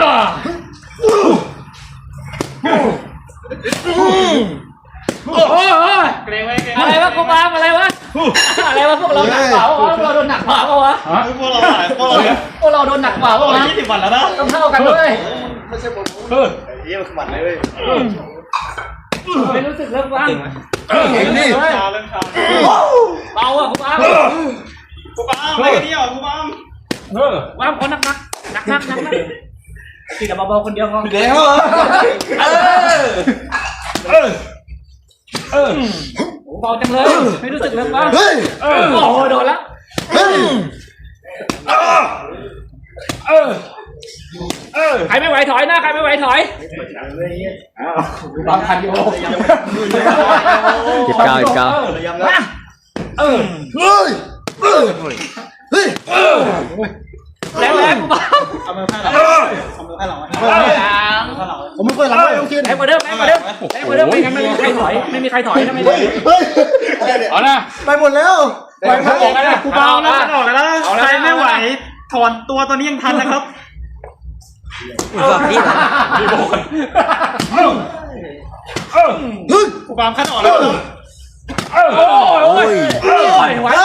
อะไรวะกูมาอะไรวะพวกเราหนักเปล่าวะเราโดนหนักเปล่าวะพวกเราโดนหนักเปล่าวะ 20 วันแล้วนะต้องเท่ากันด้วยไม่ใช่ผมเยี่ยมขมันเลยไม่รู้สึกเริ่มว่างนี่เเบาอ่ะกูบ้าอะไรกันเนี่ยกูบ้าว่างคนหนักกินแต่เบาๆคนเดียวพอเดี๋ยวเบาจังเลยไม่รู้สึกเริ่มว่างโอ้โดนแล้วใครไม่ไหวถอยนะใครไม่ไหวถอยบางคันโยเก้าแล้วกูบ้าผมไม่เคยรับเลยคิดให้มาเดิมไม่งั้นไม่มีใครถอยนะไม่เอานะไปหมดแล้วไปหมดแล้วกูเบาแล้วออกแล้วใครไม่ไหวถอนตัวตอนนี้ยังทันนะครับกูบามขั้นออกแล้วโอ้ยไหว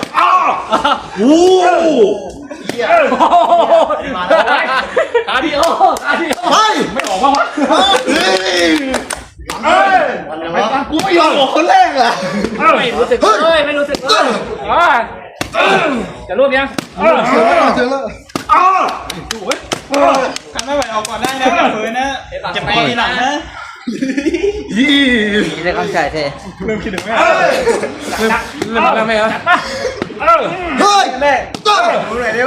คาดิโอไม่ออกมาวะกูไม่ยอมออกคนแรกอ่ะไม่รู้สึกเลยจะร่วมยังเจอแล้วทำไม่ไหวออกก่อนได้นะเผื่อนะจะไปทีหลังนะนี่ได้เข้าใจเท่เริ่มคิดถึงแม่เริ่มแล้วไหมครับเฮ้ยแม่ดูหน่อยเร็ว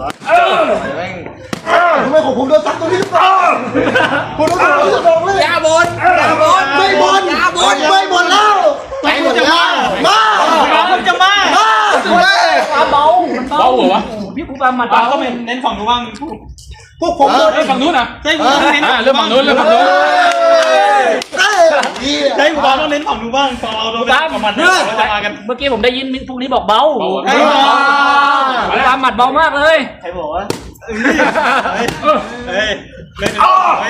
ทำไมของผมโดนซัดตัวนี้คุณต้องโดนเลยยาบนไม่บนแล้วไปหมดแล้วคุณจะมาเบาเหรอวะพี่กูบามันก็เป็นเน้นฝั่งนู้นบ้างพวกผมโดนฝั่งนู้นนะใช่เริ่มฝั่งนู้นใช่ผมต้องเน้นฝั่งนู้นบ้างพอเราโดนฝั่งมันเราจะมากันเมื่อกี้ผมได้ยินพวกนี้บอกเบาตามหมัดเบามากเลยใครบอกว่าเฮ้ยเล่น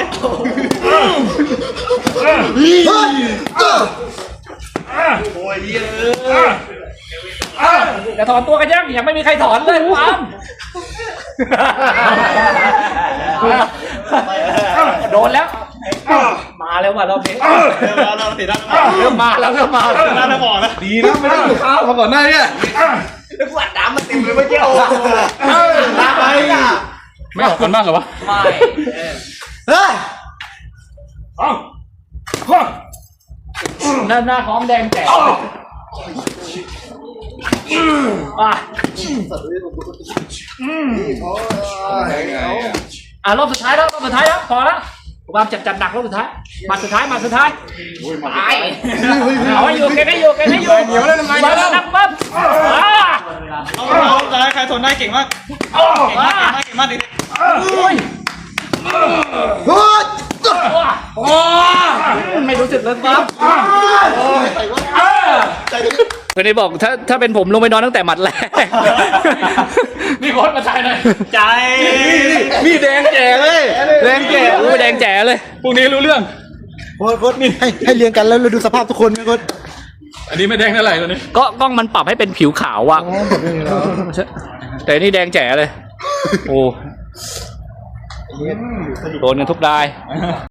โอ้ยจะถอนตัวกันยังไม่มีใครถอนเลยปั๊มโดนแล้วมาแล้วว่ะเราเพเราติดได้เริ่มมาแล้วน่าจะบอกนะดีนะไม่ได้กินข้าวมาก่อนหน้านี้แล้วกูอัดน้ำมาติ่มเลยเมื่อกี้ไม่ออกกันบ้างเหรอวะไม่หน้าท้องแดงแจ๋รอบสุดท้ายแล้วพอแล้วความจัดหนักรอบสุดท้ายมาสุดท้ายตายเอาอยู่แกได้อยู่เหนียวแล้วทำไงแล้วนักปั๊บเอาใครทนได้เก่งมากดิไม่รู้สึกเลยปั๊บคนนี้บอกถ้าเป็นผมลงไปนอนตั้งแต่หมัดแรกนี่โค้ชมาใจหน่อยใจมีแดงแจ๋เลยแดงแจ๋เลยพวกนี้รู้เรื่องโค้ชนี่ให้เรียงกันแล้วเราดูสภาพทุกคนไหมโค้ชอันนี้ไม่แดงเท่าไหร่ตัวนี้ก็กล้องมันปรับให้เป็นผิวขาวอ่ะแต่นี่แดงแจ๋เลยโอ้โดนกันทุกราย